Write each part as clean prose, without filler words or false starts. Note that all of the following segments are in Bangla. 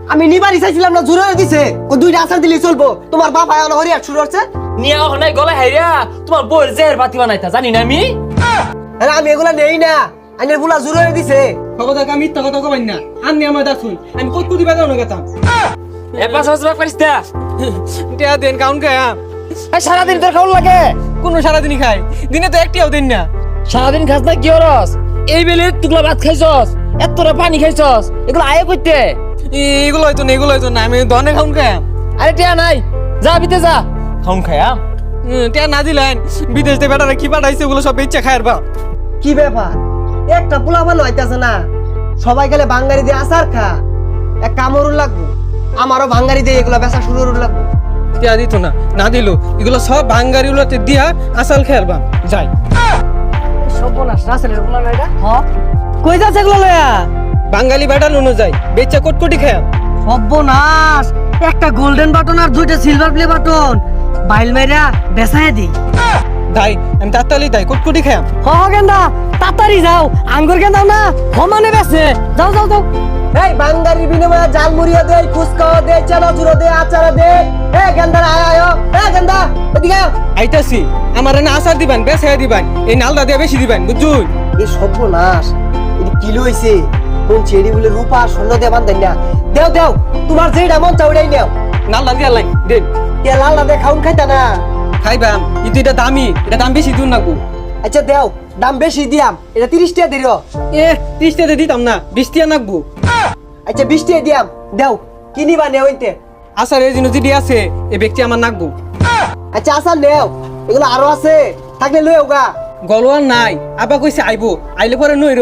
আমি নিবারই চাইছিলাম না, জোরে দিছে ও দুইটা আচার দিলেই চলবো। তোমার বাপ আয়া হরিয়া শুরু হচ্ছে নিয়ে ওখানে গলা হাইরা তোমার বউয়ের জের বাতি বানাইতা জানি না আমি। আরে আমি এগুলা নেই না, আইনের বুলা জোরে দিছে। কথা আমি মিথ্যা কথা কবাই না, আমি আমার দেখুন আমি কত কোটি বেদা গেতাম। এ পাঁচ হাজার পারিস তা টিয়া দেন কাউন খায় সারাদিন তোর খাওয়ার লাগে। কোন সারাদিনই খাই, দিনে তো একটিও দিন না। সারাদিন খাস না কি হরস? এই বেলে তুকলা ভাত খাইছস, এতটা পানি খাইছস, এগুলো আয় করতে। এগুলো হয়তো না, এগুলো হয়তো না, আমি ধনে খাউন খায়। আরে টিয়া নাই, যা বিতে যা খাউন খায়াম। টিয়া না দিলেন বিদেশ থেকে বেটারা কি পাঠাইছে ওগুলো সব ইচ্ছা খায়ের বা। কি ব্যাপার, একটা পোলা ভালো হইতাছে না, সবাই গেলে বাঙ্গারি দিয়ে আচার খা, এক কামড়ুর লাগবো, আমারও বাঙ্গারি দিয়ে এগুলা বেচা শুরু লাগবো। টিয়া দিত না, না দিল এগুলো সব বাঙ্গারি গুলোতে দিয়া আসাল খেয়ার বা যাই। সর্বনাশ, রাসেলের পোলা না এটা? হ্যাঁ, কই যাচ্ছে এগুলো লয়া? বাঙালি বেটা নুনো যায় বেচা কোটকোটি খায়। সর্বনাশ, একটা গোল্ডেন বাটন আর দুইটা সিলভার প্লে বাটন বাইল মাইরা বেচায় দিই। দাই আমি তাড়াতাড়ি দাই কোটকোটি খায়। হ গেন্দা, তাড়াতাড়ি যাও, আঙ্গুর গেন্দা না সমানে বেচে, যাও যাও যাও। এই বাঙ্গারির বিনিময়ে জাল মুড়িয়ে দে, ফুচকাও দে, চানাচুরো দে, আচার দে। এ গেন্দা আয় আয়, এ গেন্দা এদিকে আয়। আইতাছি আমার না আসার দিবেন বেচা দিবেন, এই নালদা দিয়ে বেশি দিবেন বুঝুন। এই সর্বনাশ, এটা কি লইছে? কোন ছেড়ি বলে রূপা স্বর্ণ দিয়ে বান্ধেন না? দেও দেও, তোমার যেটা মন চাও ওটাই নেও। নালদা দিয়া লাই দেন। কে লাল না দে খাউন খাইতা না? খাইবাম কিন্তু এটা দামি, এটা দাম বেশি দূর নাকু। আচ্ছা দেও, দাম বেশি দিয়াম, এটা 30 টাকা দিও। এ 30 টাকা দিতাম না, 20 টাকা নাকবো। আচ্ছা 20 টাকা দিয়াম, দেও কি নিবা নেও ইনতে। আসার এই জিনিস যদি আছে এই ব্যক্তি আমার নাকবো। আচ্ছা আসার নেও, এগুলো আরো আছে, থাকলে লই ওগা। গলোয়ার নাই, আবা কইছে আইবো, আইলে পরে নইর।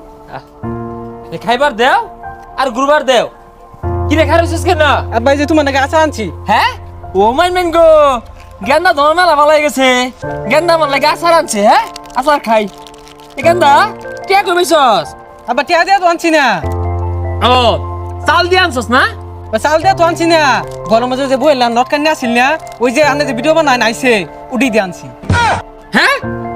খাইবার দেও আর গুরবার দেও। কি রেখা রয়েছিস কেন? আব্বাই যে তোমার নাকি আশা আনছি। হ্যাঁ ও মাই মেন গো, গেন্দা তোমার মেলা ভালো হয়ে গেছে। গেন্দা আমার লাগে আচার আনছে। হ্যাঁ আচার খাই। এ গেন্দা কে কইছস? আব্বা টিয়া দিয়া তো আনছি না। ও চাল দিয়ে আনছস না? চাল দিয়া তো আনছি না, গরম মাঝে যে বইলাম নটকান নিয়ে আসিল না, ওই যে আনে যে ভিডিও বানায় নাইছে উডি দিয়ে আনছি। হ্যাঁ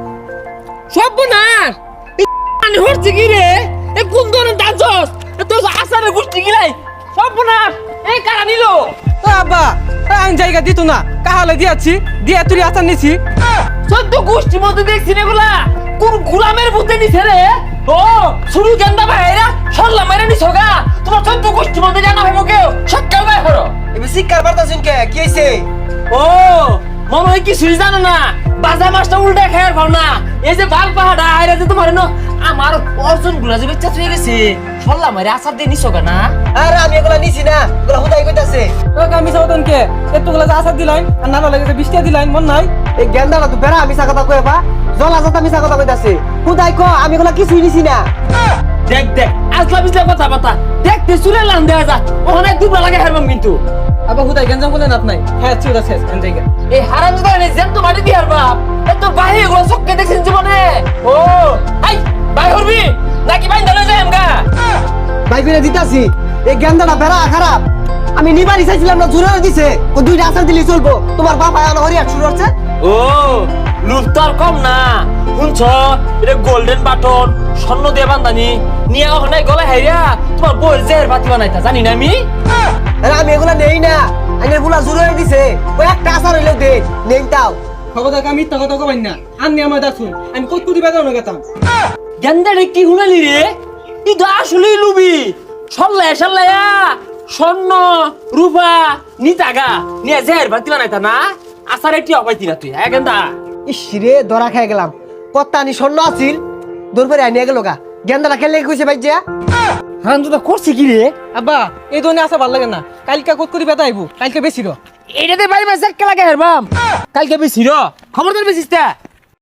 সর্বনাশ, আমি হচ্ছে কি রে? এ কোন ধরনের দাঁতছস? তোর আচারের গুষ্টি গিলাই সর্বনাশ। এই কারা নিল? ও আব্বা আমি জায়গা দিত না, কাহালে দিয়াছি দিয়া তুই আচার নিছি। সদ্য গোষ্ঠীর মধ্যে দেখছি না গুলা, কোন গুলামের বুদ্ধে নিছে রে? ও শুরু গেন্দা ভাইরা সরলা মেরে নিছো গা। তোমার সদ্য গোষ্ঠীর মধ্যে জানা ভাইবো কেউ সকাল ভাই করো। এবে শিকার বার্তা শুনকে কি হইছে? ও মনে হয় কি সুই জানো না, বাজা মাছটা উল্টা খায়ার ভাব না। এই যে বাল পাহাড়া আইরা যে তোমার না আমার অর্জন গুলা যে বেচা হয়ে গেছে, সরলা মেরে আচার দিয়ে নিছো গা না? আরে আমি এগুলা নিছি না, এগুলা হুদাই কইতাছে। ও আমি সাউদন কে এতগুলা যে আচার দিলাইন আর না লাগে যে 20 টাকা দিলাইন মন নাই। এই গেন্দাটা তো বেড়া মিছা কথা কইবা, জলা জাতা মিছা কথা কইতাছে। হুদাই কো আমি এগুলা কিছুই নিছি না। দেখ দেখ আসলা বিজলা কথা বাতা দেখতে চুলে লান দেয়া যা, ওখানে দুবলা লাগে হারবাম কিন্তু। আবার হুদাই গঞ্জাম বলে নাত নাই। হ্যাঁ চুরা শেষ এন জায়গা। এই হারাম দাদা নে যেন তো মাটি দিয়ার বাপ, এ তোর বাহি এগুলো চক্কে দেখছিস জীবনে। ও আই বাই হরবি নাকি বাইন ধরে যাই আমগা? ভাই কইরা দিতাছি, এই গেন্দাটা বেড়া খারাপ। আমি নিবারই চাইছিলাম না, জোরে দিছে ও দুইটা আচার দিলেই চলবো। তোমার বাপ আয়া হরিয়া শুরু হচ্ছে। ও লুপ তো আর কম না। শুনছ এটা গোল্ডেন বাটন স্বর্ণ দিয়ে বান্ধানি নিয়ে ওখানে গলা হাইরা তোমার বউয়ের জের বাতি বানাইতা জানি না আমি। আরে আমি এগুলা নেই না, আইনের বুলা জোরে দিছে ও একটা আচার হইলেও দে, নেই তাও। খবর আমি মিথ্যা কথা কবাই না, আমি আমার দেখুন আমি কত কোটি বেদা গেতাম। গেন্দারে কি শুনালি রে? তুই তো আসলেই লুবি। সল্লায় সল্লায়া স্বর্ণ রূপা নিতাগা নিয়ে জের বাতি বানাইতা না? আচার একটি অপাইতি না তুই। হ্যাঁ গেন্দা ইস রে, ধরা খাই গেলাম। কত্তা আনি স্বর্ণ আছিল, দূর করে আনিয়ে গেল গা। গেন্দাটা খেলে কইছে ভাই যা। হারাম দাদা করছে কি রে? আব্বা এই ধরনের আসা ভালো লাগে না, কালকে কত কোটি বেদা আইবো, কালকে বেশি র। এটাতে বাড়ি মাসে লাগে হারবাম, কালকে বেশি র খবরদার বেশিস তা।